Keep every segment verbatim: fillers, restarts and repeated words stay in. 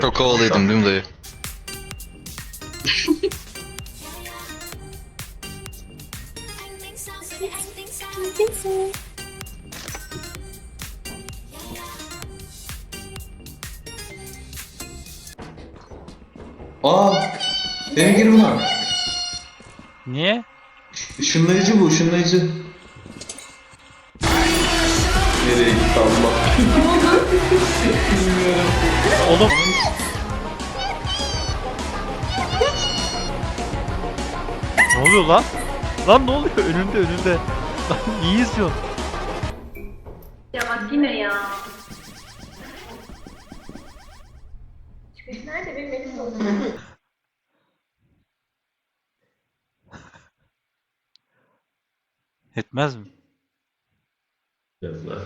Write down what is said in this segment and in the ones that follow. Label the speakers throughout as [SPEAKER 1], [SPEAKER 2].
[SPEAKER 1] Çok havalıydım değil mi dayı?
[SPEAKER 2] Aa! Dene gir buna.
[SPEAKER 3] Niye?
[SPEAKER 2] Işınlayıcı bu, ışınlayıcı. Nereye gitti Allah? Bilmiyorum.
[SPEAKER 3] Oğlum. Ne oluyor lan? Lan ne oluyor? Önünde önünde. Lan iyi izliyorsun.
[SPEAKER 4] Ya bak yine ya. Çıkış nerede benim elim dolu.
[SPEAKER 3] Etmez mi?
[SPEAKER 2] Biraz daha.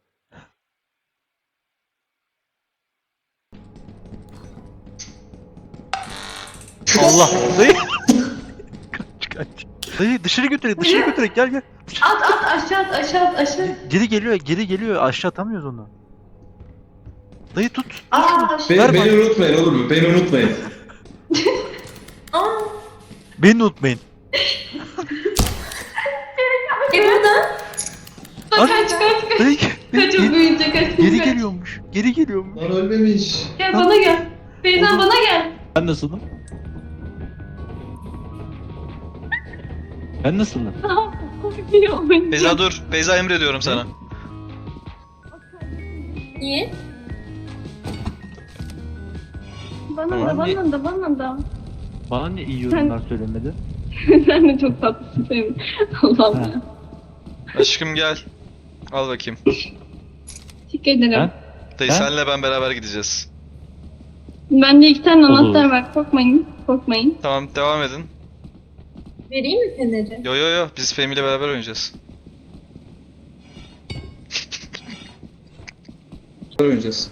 [SPEAKER 3] Allah. Dayı. Kaç kaç. Dayı dışarı götürek dışarı götürek gel gel.
[SPEAKER 4] At at aşağı at aşağı at aşağı.
[SPEAKER 3] Geri geliyor geri geliyor aşağı atamıyoruz onu. Dayı tut. tut
[SPEAKER 4] Aa
[SPEAKER 3] şunu.
[SPEAKER 4] aşağı.
[SPEAKER 2] Beni,
[SPEAKER 3] Ver
[SPEAKER 2] beni
[SPEAKER 3] bana.
[SPEAKER 2] unutmayın olur mu? Beni unutmayın.
[SPEAKER 4] Aa.
[SPEAKER 3] Beni unutmayın.
[SPEAKER 4] E buradan.
[SPEAKER 3] At.
[SPEAKER 4] Kaç kaç kaç.
[SPEAKER 3] Dayı.
[SPEAKER 4] Kaç o
[SPEAKER 3] Geri,
[SPEAKER 4] büyüyecek kaç.
[SPEAKER 3] geri
[SPEAKER 4] kaç.
[SPEAKER 3] geliyormuş. Geri geliyormuş.
[SPEAKER 2] Lan ölmemiş.
[SPEAKER 4] Gel bana gel. Feyzan bana gel.
[SPEAKER 5] Ben nasılım? Ben nasılım?
[SPEAKER 1] Beyza dur. Beyza emrediyorum sana.
[SPEAKER 4] Niye? Bana
[SPEAKER 5] Tamam,
[SPEAKER 4] da
[SPEAKER 5] ne-
[SPEAKER 4] bana da bana da.
[SPEAKER 5] Bana niye iyi yorumlar söylemedi?
[SPEAKER 4] Sen de çok tatlısın Fehmi. Allah'ım
[SPEAKER 5] Ha.
[SPEAKER 4] ya.
[SPEAKER 1] Aşkım gel. Al bakayım.
[SPEAKER 4] Teşekkür ederim.
[SPEAKER 5] Ha?
[SPEAKER 1] Dayı
[SPEAKER 5] Ha?
[SPEAKER 1] senle ben beraber gideceğiz.
[SPEAKER 4] Bende iki tane
[SPEAKER 5] Olur.
[SPEAKER 4] anahtar var. Korkmayın. Korkmayın.
[SPEAKER 1] Tamam devam edin.
[SPEAKER 4] Vereyim mi feneri?
[SPEAKER 1] Yo yo yo biz Fehmi ile beraber oynayacağız.
[SPEAKER 2] Oynayacağız.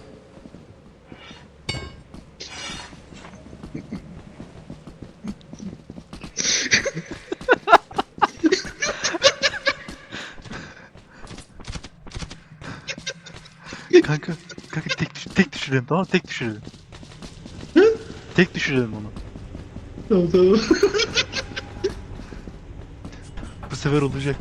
[SPEAKER 3] Kanka. Kanka tek, düş tek düşürelim tamam mı? Tek düşürelim. Tek düşürelim onu.
[SPEAKER 2] Tamam tamam.
[SPEAKER 3] Bu sefer olacak.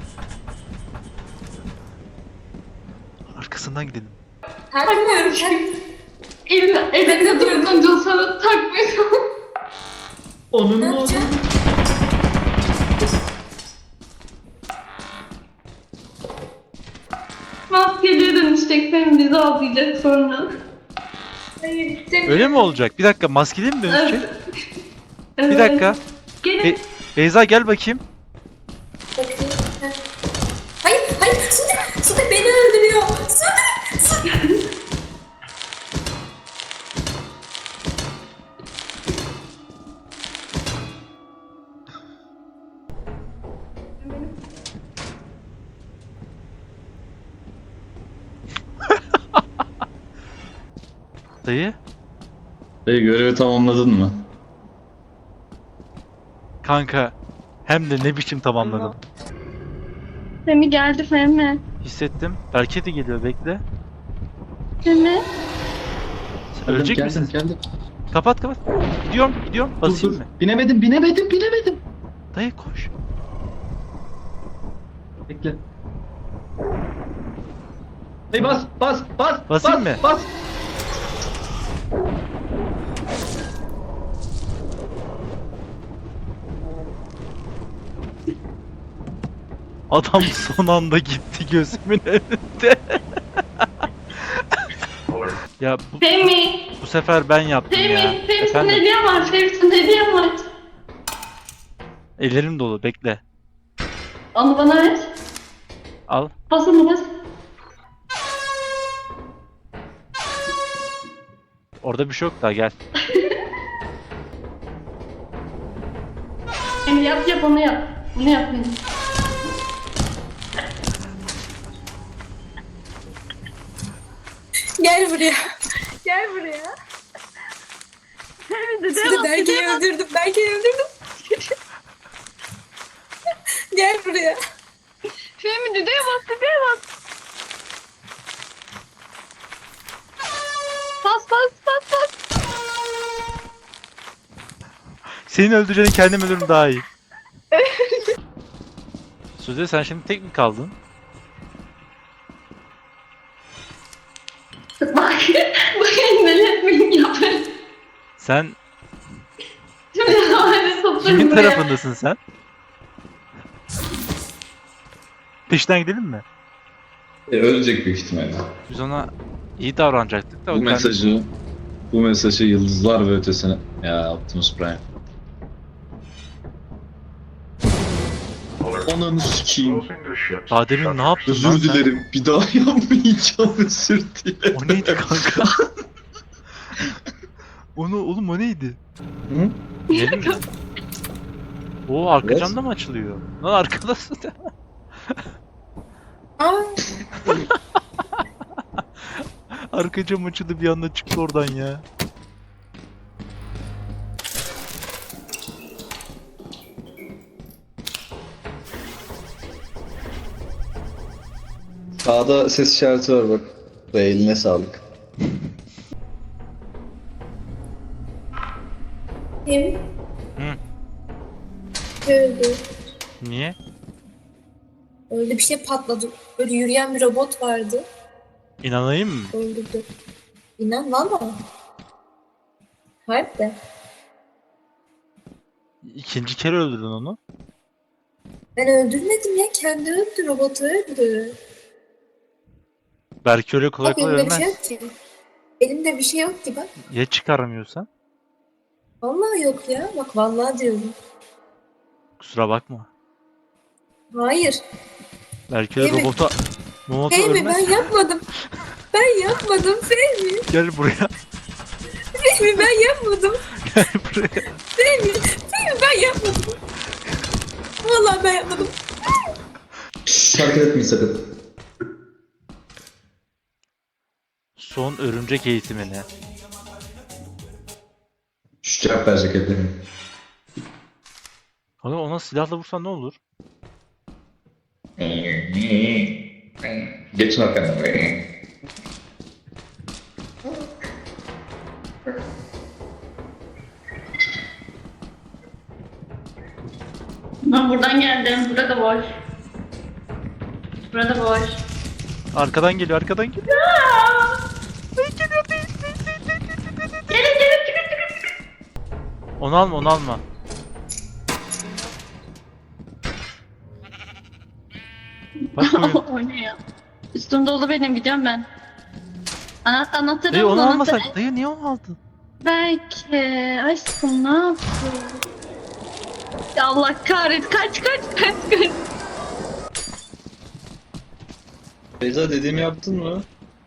[SPEAKER 3] Arkasından gidelim.
[SPEAKER 4] Takmıyorum. Elimde, elimde durdunca sana takmıyorum.
[SPEAKER 2] Onun ne oldu?
[SPEAKER 4] Maskeliye dönüşecek. Benim bizi avlayacak sonra. Hayır. Sen...
[SPEAKER 3] Öyle mi olacak? Bir dakika maskeli mi dönüşecek?
[SPEAKER 4] Evet.
[SPEAKER 3] Bir dakika.
[SPEAKER 4] Gelin.
[SPEAKER 3] Be Beyza gel bakayım.
[SPEAKER 6] Hayır, hayır, Sude, Sude beni öldürüyor. Sude, Sude.
[SPEAKER 3] Dayı.
[SPEAKER 2] Dayı görevi tamamladın mı?
[SPEAKER 3] Kanka. Hem de ne biçim tamamladım.
[SPEAKER 4] Femi geldi Femi.
[SPEAKER 3] Hissettim. Berke de geliyor bekle.
[SPEAKER 4] Femi.
[SPEAKER 3] Sen ölecek
[SPEAKER 2] geldim,
[SPEAKER 3] misin?
[SPEAKER 2] Geldim.
[SPEAKER 3] Kapat kapat. Gidiyorum gidiyorum.
[SPEAKER 2] Dur,
[SPEAKER 3] Basayım
[SPEAKER 2] dur.
[SPEAKER 3] mı?
[SPEAKER 2] Binemedim, binemedim, binemedim.
[SPEAKER 3] Dayı koş.
[SPEAKER 2] Bekle. Dayı bas, bas, bas,
[SPEAKER 3] Basayım
[SPEAKER 2] bas,
[SPEAKER 3] mı?
[SPEAKER 2] bas.
[SPEAKER 3] Adam son anda gitti gözümün önünde. Ya bu,
[SPEAKER 4] Femi.
[SPEAKER 3] bu sefer ben yaptım ya.
[SPEAKER 4] Femi. Femi sana
[SPEAKER 3] Efendim?
[SPEAKER 4] hediyem var. Femi sana hediyem var.
[SPEAKER 3] Ellerim dolu bekle.
[SPEAKER 4] Onu bana ver.
[SPEAKER 3] Al.
[SPEAKER 4] Bas onu bas.
[SPEAKER 3] Orada bir şey yok daha gel.
[SPEAKER 4] Femi yap yap onu yap. Bunu yap Femi.
[SPEAKER 6] Gel buraya. Gel buraya.
[SPEAKER 4] Femi de
[SPEAKER 6] Sude Berke'yi öldürdüm, Berke'yi öldürdüm. Gel buraya.
[SPEAKER 4] Femi düdüğe bas düdüğe bas. Bas bas bas bas.
[SPEAKER 3] Senin öldüreceğini kendim ölürüm daha iyi. Sude sen şimdi tek mi kaldın?
[SPEAKER 4] Bak. Bak endeletmeyin yaparım.
[SPEAKER 3] Sen
[SPEAKER 4] Şimdi havale toplarım
[SPEAKER 3] kimin
[SPEAKER 4] buraya.
[SPEAKER 3] tarafındasın sen? Peşinden gidelim mi?
[SPEAKER 2] E, ölecek büyük ihtimalle.
[SPEAKER 3] Biz ona iyi davranacaktık da.
[SPEAKER 2] Bu
[SPEAKER 3] o kendi-
[SPEAKER 2] mesajı, bu mesajı yıldızlar ve ötesine. Ya Optimus Prime. Ananı sikeyim.
[SPEAKER 3] Daha demin ne yaptın lan
[SPEAKER 2] Özür
[SPEAKER 3] sen?
[SPEAKER 2] dilerim. Bir daha yapmayacağım, özür dilerim.
[SPEAKER 3] O neydi kanka? Onu oğlum o neydi?
[SPEAKER 2] Hı?
[SPEAKER 3] Gelin mi? Oo arka
[SPEAKER 2] Evet.
[SPEAKER 3] camda mı açılıyor? Lan arkadasın.
[SPEAKER 6] Aa,
[SPEAKER 3] Arka cam açıldı bir anda çıktı oradan ya.
[SPEAKER 2] Sağda ses işareti var bak. Ve eline sağlık.
[SPEAKER 6] kim?
[SPEAKER 3] Hı.
[SPEAKER 6] Öldü.
[SPEAKER 3] Niye?
[SPEAKER 6] Öyle bir şey patladı. Böyle yürüyen bir robot vardı.
[SPEAKER 3] İnanayım mı?
[SPEAKER 6] Öldürdü. İnan valla. Harbi.
[SPEAKER 3] İkinci kere öldürdün onu.
[SPEAKER 6] Ben öldürmedim ya. Kendi öldü. Robotu öldü.
[SPEAKER 3] Belki öyle kolay
[SPEAKER 6] Bak
[SPEAKER 3] kolay
[SPEAKER 6] elimde bir şey
[SPEAKER 3] ölmez.
[SPEAKER 6] yok ki. Elimde bir şey yok ki bak.
[SPEAKER 3] Ya çıkaramıyorsan?
[SPEAKER 6] Vallahi yok ya. Bak vallahi diyorum.
[SPEAKER 3] Kusura bakma.
[SPEAKER 6] Hayır.
[SPEAKER 3] Belki öyle
[SPEAKER 6] Değil mi?
[SPEAKER 3] robota... Robota
[SPEAKER 6] Fehmi
[SPEAKER 3] ölmez.
[SPEAKER 6] ben yapmadım. Ben yapmadım Fehmi.
[SPEAKER 3] Gel buraya.
[SPEAKER 6] Fehmi ben yapmadım.
[SPEAKER 3] Gel buraya.
[SPEAKER 6] Fehmi. Fehmi ben yapmadım. Vallahi ben yapmadım.
[SPEAKER 2] Hareket etmeyin sakın.
[SPEAKER 3] Son örümcek eğitimine.
[SPEAKER 2] Şu cevap verecek etlerim.
[SPEAKER 3] Kanka ona silahla vursan ne olur?
[SPEAKER 2] Geçin arkamdan.
[SPEAKER 4] Ben buradan geldim. Burada boş. Burada boş.
[SPEAKER 3] Arkadan geliyor, arkadan geliyor.
[SPEAKER 4] Gelin gelin çıkın çıkın.
[SPEAKER 3] Onu alma, onu alma. Bak oyun.
[SPEAKER 4] O ne ya? Üstüm dolu benim gidiyorum ben. Ana anahtarım
[SPEAKER 3] Dayı onu
[SPEAKER 4] anahtarı.
[SPEAKER 3] almasak. Dayı niye onu aldın?
[SPEAKER 4] Belki aşkım ne yaptın? Ya Allah kahret kaç kaç kaç kaç.
[SPEAKER 2] Beyza dediğimi yaptın mı?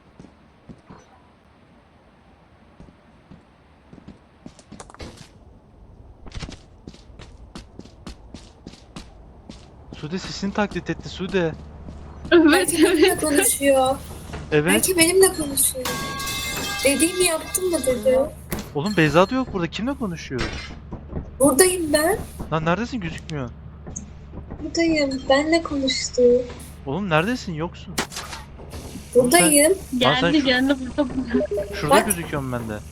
[SPEAKER 3] Sude sesini taklit etti Sude.
[SPEAKER 4] Evet
[SPEAKER 6] Belki benimle
[SPEAKER 4] evet.
[SPEAKER 6] konuşuyor.
[SPEAKER 3] Evet.
[SPEAKER 6] Belki benimle konuşuyor. Dediğimi yaptım mı dedi.
[SPEAKER 3] Oğlum Beyza da yok burada. Kimle konuşuyor?
[SPEAKER 6] Buradayım ben.
[SPEAKER 3] Lan neredesin? Gözükmüyor.
[SPEAKER 6] Buradayım. Benle konuştu.
[SPEAKER 3] Oğlum neredesin? Yoksun.
[SPEAKER 6] Buradayım.
[SPEAKER 3] Lan sen
[SPEAKER 4] Geldi
[SPEAKER 3] şu-
[SPEAKER 4] geldi burada burada.
[SPEAKER 3] Şurada
[SPEAKER 6] Bak.
[SPEAKER 3] gözüküyorum ben de.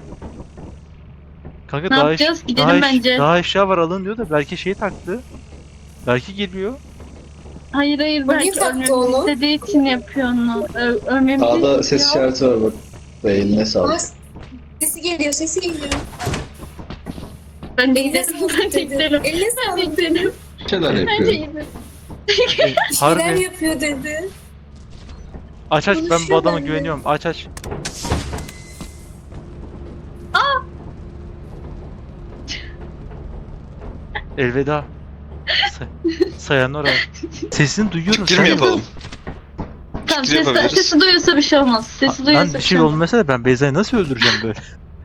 [SPEAKER 3] Kanka
[SPEAKER 4] Ne
[SPEAKER 3] daha,
[SPEAKER 4] yapacağız?
[SPEAKER 3] eş-
[SPEAKER 4] Gidelim
[SPEAKER 3] daha, eş-
[SPEAKER 4] bence.
[SPEAKER 3] daha eşya var alın diyor da belki şeyi taktı. Belki geliyor.
[SPEAKER 4] Hayır hayır
[SPEAKER 6] Bu niye
[SPEAKER 4] belki
[SPEAKER 6] taktı
[SPEAKER 4] ölmemizi
[SPEAKER 6] onu?
[SPEAKER 4] istediği için yapıyor onu. Ö ölmemizi
[SPEAKER 2] Sağda ses
[SPEAKER 4] istiyor.
[SPEAKER 2] işareti var bak. Ve eline sağlık.
[SPEAKER 6] Bas. Sesi geliyor, sesi geliyor.
[SPEAKER 4] Ben de
[SPEAKER 6] Eline
[SPEAKER 4] gidelim.
[SPEAKER 6] sağlık
[SPEAKER 4] Ben de
[SPEAKER 6] dedi.
[SPEAKER 4] gidelim.
[SPEAKER 6] Eline
[SPEAKER 4] Ben de
[SPEAKER 6] sağlık.
[SPEAKER 4] gidelim.
[SPEAKER 2] Bir şeyler
[SPEAKER 4] Ben de
[SPEAKER 2] yapıyor.
[SPEAKER 4] gidelim.
[SPEAKER 3] E,
[SPEAKER 6] Şeyler
[SPEAKER 3] harbi.
[SPEAKER 6] yapıyor dedi.
[SPEAKER 3] Aç aç ben bu
[SPEAKER 6] konuşuyor
[SPEAKER 3] adama
[SPEAKER 6] benimle.
[SPEAKER 3] güveniyorum. Aç aç. Elveda. Say Sayanora. Sesini duyuyorum.
[SPEAKER 1] Fikir mi
[SPEAKER 3] sen-
[SPEAKER 1] yapalım?
[SPEAKER 4] Tamam
[SPEAKER 1] Fikir
[SPEAKER 4] sesi,
[SPEAKER 1] yapabiliriz.
[SPEAKER 4] sesi duyuyorsa bir şey olmaz. Sesi
[SPEAKER 3] Lan
[SPEAKER 4] duyuyorsa
[SPEAKER 3] bir
[SPEAKER 4] bir
[SPEAKER 3] şey
[SPEAKER 4] şey olmaz.
[SPEAKER 3] olmasa da ben Beyza'yı nasıl öldüreceğim böyle?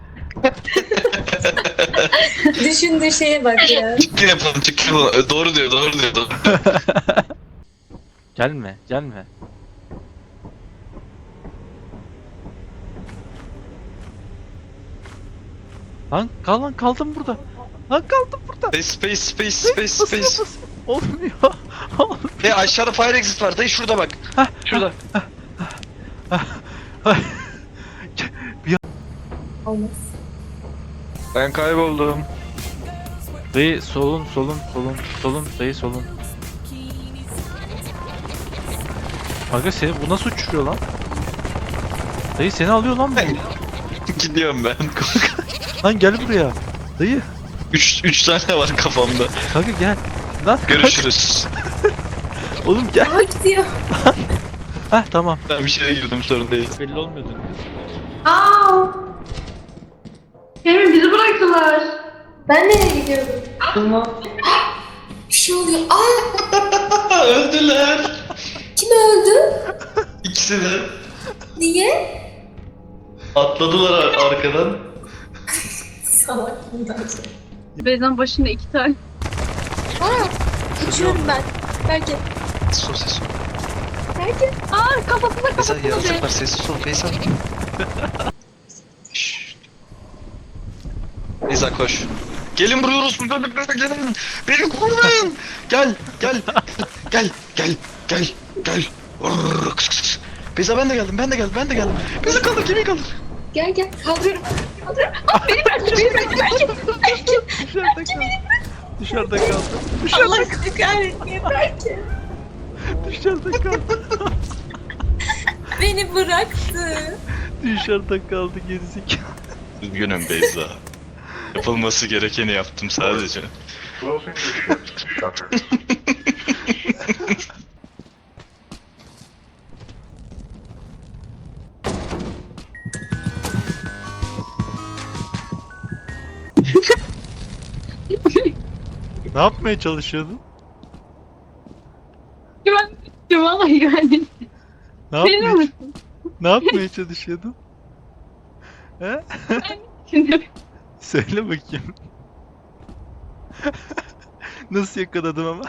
[SPEAKER 6] Düşündüğü şeye bak ya.
[SPEAKER 1] Fikir yapalım, fikir yapalım. Ö, Doğru diyor, doğru diyor. Doğru.
[SPEAKER 3] Gelme, gelme. Lan kal lan kaldım burada. Lan kaldım burada.
[SPEAKER 1] Space, space, space, space,
[SPEAKER 3] Basıyor,
[SPEAKER 1] space.
[SPEAKER 3] basıyor. Olmuyor. Olmuyor.
[SPEAKER 1] Hey aşağıda fire exit var. Dayı şurada bak. Şurada.
[SPEAKER 6] Olmaz.
[SPEAKER 1] Ben kayboldum.
[SPEAKER 3] Dayı solun solun solun solun dayı solun. Kanka seni bu nasıl uçuruyor lan? Dayı seni alıyor lan bu.
[SPEAKER 1] Gidiyorum ben.
[SPEAKER 3] Lan gel buraya. Dayı.
[SPEAKER 1] üç üç tane var kafamda.
[SPEAKER 3] Kanka gel. Lan
[SPEAKER 1] Görüşürüz.
[SPEAKER 3] oğlum gel.
[SPEAKER 6] Aa gidiyor.
[SPEAKER 3] Heh tamam.
[SPEAKER 1] Ben bir şeye girdim, sorun değil.
[SPEAKER 3] Belli olmuyordu.
[SPEAKER 4] Aa. Fehmi bizi bıraktılar.
[SPEAKER 6] Ben nereye gidiyorum? Bir şey oluyor. Aa
[SPEAKER 1] Öldüler.
[SPEAKER 6] kim öldü?
[SPEAKER 1] İkisi de.
[SPEAKER 6] Niye?
[SPEAKER 1] Atladılar ar- arkadan.
[SPEAKER 6] Salak bundan sonra.
[SPEAKER 4] Beyza'nın başında iki tane.
[SPEAKER 6] Aa uçuyorum ben. Belki.
[SPEAKER 1] Sos,
[SPEAKER 6] Belki.
[SPEAKER 4] Aa kafasına
[SPEAKER 1] Beyza
[SPEAKER 4] kafasına.
[SPEAKER 1] yaratık var, sessiz ol Beyza. Şşş. Beyza koş. Gelin buraya orospu çocuklar, gelin. Beni koruyun. Gel, gel, gel, gel, gel, gel. Orr, kıs, kıs, kıs. Beyza ben de geldim, ben de geldim, ben de geldim. Beyza kaldır, gemiyi kaldır.
[SPEAKER 6] Gel gel. Kaldırıyorum. Kaldırıyorum. Aa beni bırak. Beni bırak. Belki. Belki.
[SPEAKER 3] Dışarıda kaldı. Dışarıda kaldı.
[SPEAKER 6] Allah sizi kahretmeye belki.
[SPEAKER 3] Dışarıda kaldı.
[SPEAKER 6] Beni bıraktı.
[SPEAKER 3] Dışarıda kaldı gerizekalı.
[SPEAKER 1] Üzgünüm Beyza. Yapılması gerekeni yaptım sadece.
[SPEAKER 3] Ne yapmaya çalışıyordun?
[SPEAKER 4] Güven. Vallahi güvendim.
[SPEAKER 3] Ne
[SPEAKER 4] Benim
[SPEAKER 3] yapmaya,
[SPEAKER 4] misin?
[SPEAKER 3] ne yapmaya çalışıyordun? He?
[SPEAKER 4] Şimdi
[SPEAKER 3] Söyle bakayım. Nasıl yakaladım ama?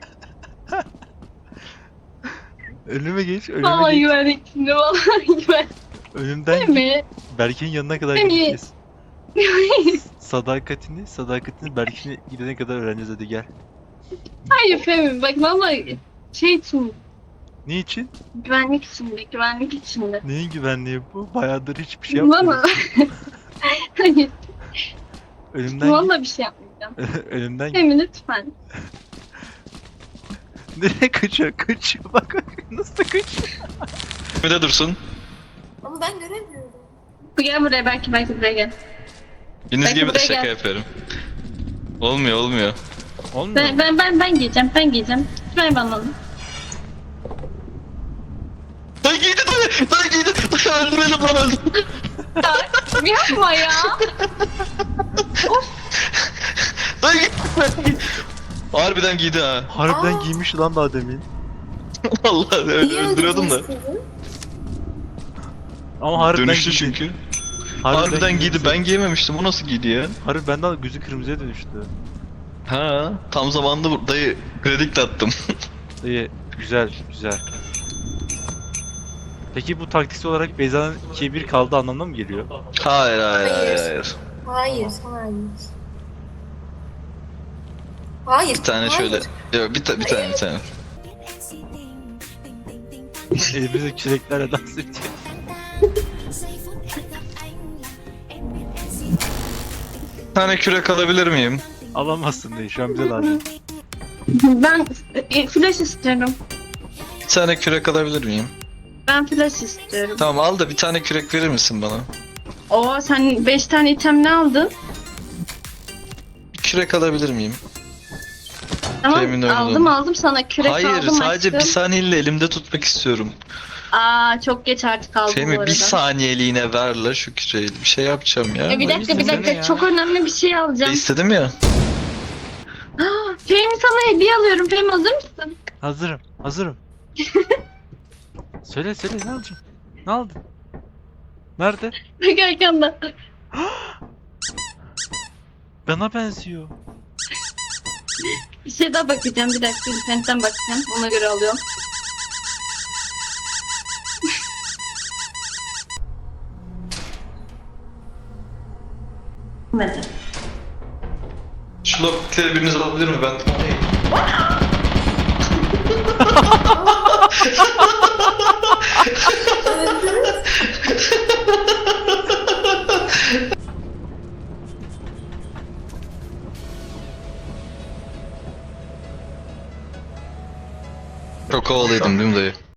[SPEAKER 3] Önüme geç, önüme
[SPEAKER 4] vallahi
[SPEAKER 3] geç.
[SPEAKER 4] güvendik şimdi. Vallahi güven.
[SPEAKER 3] Önümden git.
[SPEAKER 4] Fehmi.
[SPEAKER 3] Berke'nin yanına kadar
[SPEAKER 4] Fehmi.
[SPEAKER 3] gideceğiz. Sadakatini, sadakatini Berke'ne gidene kadar öğreneceğiz, hadi gel.
[SPEAKER 4] Hayır Fehmi bak vallahi şey için
[SPEAKER 3] Niçin?
[SPEAKER 4] güvenlik içinde güvenlik içinde.
[SPEAKER 3] Neyin güvenliği bu? Bayağıdır hiçbir şey yapmıyorum.
[SPEAKER 4] Valla. Hayır
[SPEAKER 3] Önümden git.
[SPEAKER 4] valla bir şey yapmayacağım.
[SPEAKER 3] Önümden git.
[SPEAKER 4] Fehmi lütfen.
[SPEAKER 3] Nereye kaçıyor? Kaçıyor. Bak bak nasıl kaçıyor.
[SPEAKER 1] Bir de dursun.
[SPEAKER 6] Ama ben göremiyorum.
[SPEAKER 4] Gel buraya belki belki buraya gel.
[SPEAKER 1] Deniz
[SPEAKER 4] Belki
[SPEAKER 1] gibi de
[SPEAKER 4] buraya
[SPEAKER 1] şaka
[SPEAKER 4] gel.
[SPEAKER 1] yapıyorum. Olmuyor, olmuyor.
[SPEAKER 3] Olmuyor.
[SPEAKER 4] Ben ben ben, ben giyeceğim ben giyeceğim. Ver bana onu.
[SPEAKER 1] Dayı giydi dayı! Dayı giydi! Dayı öldü beni, bana öldü.
[SPEAKER 4] Ya yapma ya.
[SPEAKER 1] Dayı giydi! Harbiden giydi ha.
[SPEAKER 3] Harbiden
[SPEAKER 6] Aa.
[SPEAKER 3] giymiş lan daha demin.
[SPEAKER 1] Vallahi öyle
[SPEAKER 6] Niye
[SPEAKER 1] öldürüyordum da.
[SPEAKER 6] öldürdünüz kızı?
[SPEAKER 3] Ama harbiden
[SPEAKER 1] Dönüştü
[SPEAKER 3] giydi.
[SPEAKER 1] çünkü. Harbiden giydi,
[SPEAKER 3] giydi.
[SPEAKER 1] ben giyememiştim. O nasıl giydi ya?
[SPEAKER 3] Harbi benden gözü kırmızıya dönüştü.
[SPEAKER 1] Ha, tam zamanında bu- dayı kreditle attım.
[SPEAKER 3] İyi, güzel, güzel. Peki bu taktiksel olarak Beyza'nın ikiye bir kaldı anlamına mı geliyor?
[SPEAKER 1] Hayır, hayır, hayır,
[SPEAKER 6] Hayır.
[SPEAKER 1] hayır.
[SPEAKER 6] Hayır, hayır. Hayır.
[SPEAKER 1] Bir tane
[SPEAKER 6] hayır.
[SPEAKER 1] şöyle. Yok, bir, ta- bir tane, bir tane.
[SPEAKER 3] Elimizde küreklerle dans ediyor.
[SPEAKER 1] Bir tane kürek alabilir miyim?
[SPEAKER 3] Alamazsın diye şu an bize lazım.
[SPEAKER 4] Ben e, flash istiyorum.
[SPEAKER 1] Bir tane kürek alabilir miyim?
[SPEAKER 4] Ben flash istiyorum.
[SPEAKER 1] Tamam, al da bir tane kürek verir misin bana?
[SPEAKER 4] Oo sen beş tane item ne aldın?
[SPEAKER 1] Bir kürek alabilir miyim?
[SPEAKER 4] Tamam
[SPEAKER 1] Temin oldum.
[SPEAKER 4] aldım aldım sana kürek
[SPEAKER 1] Hayır,
[SPEAKER 4] aldım
[SPEAKER 1] sadece bir
[SPEAKER 4] aşkım.
[SPEAKER 1] saniyeyle elimde tutmak istiyorum.
[SPEAKER 4] Aa çok geç artık aldım bu
[SPEAKER 1] Fehmi
[SPEAKER 4] arada.
[SPEAKER 1] bir saniyeliğine ver la şu küreği. Bir şey yapacağım ya.
[SPEAKER 4] E, bir dakika bir
[SPEAKER 3] istesene
[SPEAKER 4] dakika
[SPEAKER 3] ya.
[SPEAKER 4] çok önemli bir şey
[SPEAKER 1] E,
[SPEAKER 4] alacağım.
[SPEAKER 1] istedim ya.
[SPEAKER 4] Aa, Fehmi sana hediye alıyorum. Fehmi hazır mısın?
[SPEAKER 3] Hazırım, hazırım. Söyle söyle ne alacaksın? Ne aldın? Nerede?
[SPEAKER 4] Bak arkanda.
[SPEAKER 3] Bana benziyor.
[SPEAKER 4] Bir şey daha bakacağım bir dakika. İnternetten bakacağım. Ona göre alıyorum. Hadi.
[SPEAKER 1] Şu lokitleri biriniz alabilir mi? Ben... Çok havalıydım değil mi dayı?